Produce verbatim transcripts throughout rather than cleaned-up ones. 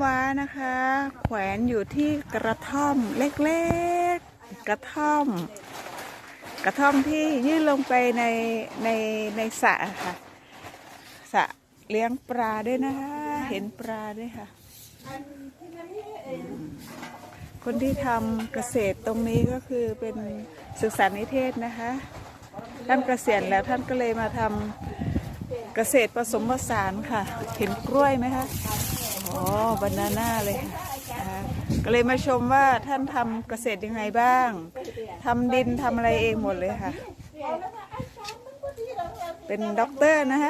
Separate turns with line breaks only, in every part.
ว้านะคะแขวนอยู่ที่กระท่อมเล็กๆกระท่อมกระท่อมที่ยื่นลงไปในในในสระค่ะสระเลี้ยงปลาด้วยนะคะเห็นปลาด้วยค่ะคนที่ทำเกษตรตรงนี้ก็คือเป็นศึกษานิเทศนะคะท่านเกษียณแล้วท่านก็เลยมาทำเกษตรผสมผสานค่ะเห็นกล้วยไหมคะอ๋อบานาน่าเลยค่ะก็เลยมาชมว่าท่านทำเกษตรยังไงบ้างทำดินทำอะไรเองหมดเลยค่ะเป็นด็อกเตอร์นะคะ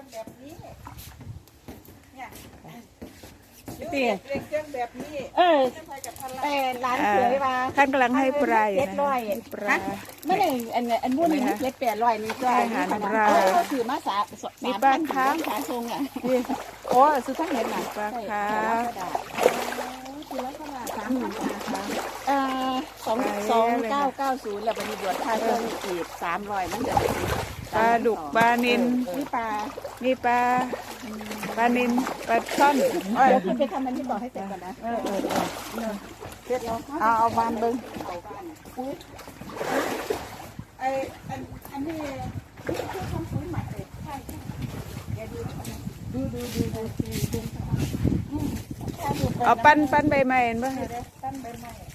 เตี้ยแบบนี้เออแต่ร้านเสือมา
ท่านกำลังให้ปลาอยู่
เจ็ดร้อย
ปลา
ไม่ได้อันอันนู้นนี่เจ็ดแปดร้อยนี่ก็อาหารปลาเขาถือมาสามสามพันค้างขาทรงอ่ะโอ้ซื้อทั้งเห็ดหนัง
ปลาคา
คือแล้วก็มาสามพันค้างอ่าสองสองเก้าเก้าศูนย์แล้วมันมีบวชค่าเครื่องอีกสามร้อยมันจะ
ปลาดุกปลานิล
นี่ปลา
นี่ปลาปลานิลปลาช่อน
เดี๋ยวคุณไปทำมันที่บอกให้เสร็จก่อนนะเออเออเออเสร็จแล้วเอาเอาบานเบิ้งเอาบานอุ้ยไออันอันนี้คือทำปุ๋ยหมักเลยใช่ใช่ดูดูดูดูดูดู
เอาปั้นปั้นใบไม้เห็นป่ะ
ปั้นใบไม้